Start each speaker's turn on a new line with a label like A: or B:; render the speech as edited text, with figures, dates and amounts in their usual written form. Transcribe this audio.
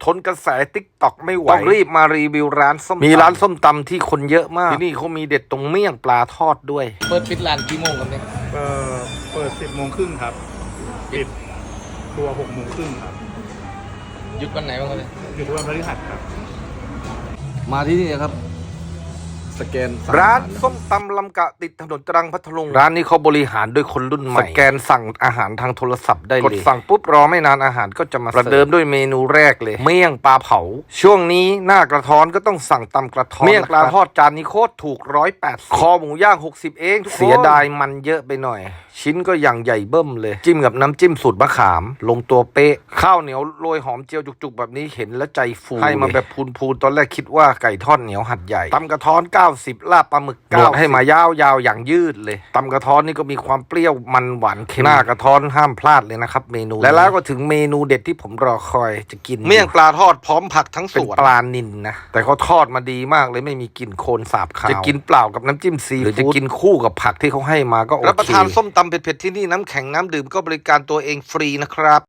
A: ทนกระแสติ๊กต็อกไม่ไหวต้องรีบมารีวิวร้านส้มมีร้านส้มตำที่คนเยอะมากที่นี่เขามีเด็ดตรงเมี่ยงปลาทอดด้วยเปิดปิดร้านกี่โมงครับเนี่ย
B: เปิด10 โมงครึ่งครับปิดตัว6 โมงครึ่งครับ
A: หยุดวันไหนบ้างครับเนี่ย
B: หยุดวันพฤหัสครับ
C: มาที่นี่นะครับสแกน
A: ร้านส้มตำลำกะติดถนนตรังพัทลุงร้านนี้เขาบริหารด้วยคนรุ่นใหม่สแกนสั่งอาหารทางโทรศัพท์ได้เลยกดสั่งปุ๊บรอไม่นานอาหารก็จะมาประเดิมด้วยเมนูแรกเลยเมี่ยงปลาเผาช่วงนี้หน้ากระท้อนก็ต้องสั่งตำกระท้อนเมี่ยงปลาทอดจานนี้โคตรถูก180คอหมูย่าง60เองเสียดายมันเยอะไปหน่อยชิ้นก็อย่างใหญ่เบิ้มเลยจิ้มกับน้ำจิ้มสูตรมะขามลงตัวเป๊ะข้าวเหนียวโรยหอมเจียวจุกๆแบบนี้เห็นแล้วใจฟูให้มาแบบพูนๆตอนแรกคิดว่าไก่ทอดเหนียวหัดใหญ่ตำกระท้อน90ลาบปลาหมึก9ให้มายาวๆอย่างยืดเลยตำกระท้อนนี่ก็มีความเปรี้ยวมันหวานเค็มหน้ากระท้อนห้ามพลาดเลยนะครับเมนูและแล้วก็ถึงเมนูเด็ดที่ผมรอคอยจะกินเมี่ยงปลาทอดพร้อมผักทั้งสวนเป็นปลานิลนะแต่เขาทอดมาดีมากเลยไม่มีกลิ่นโคลนสาบคาวจะกินเปล่ากับน้ำจิ้มซีฟู้ดหรือจะกินคู่กับผักที่เขาให้มาก็โอเครับประทานส้มตำเผ็ดๆที่นี่น้ำแข็งน้ำดื่มก็บริการตัวเองฟรีนะครับ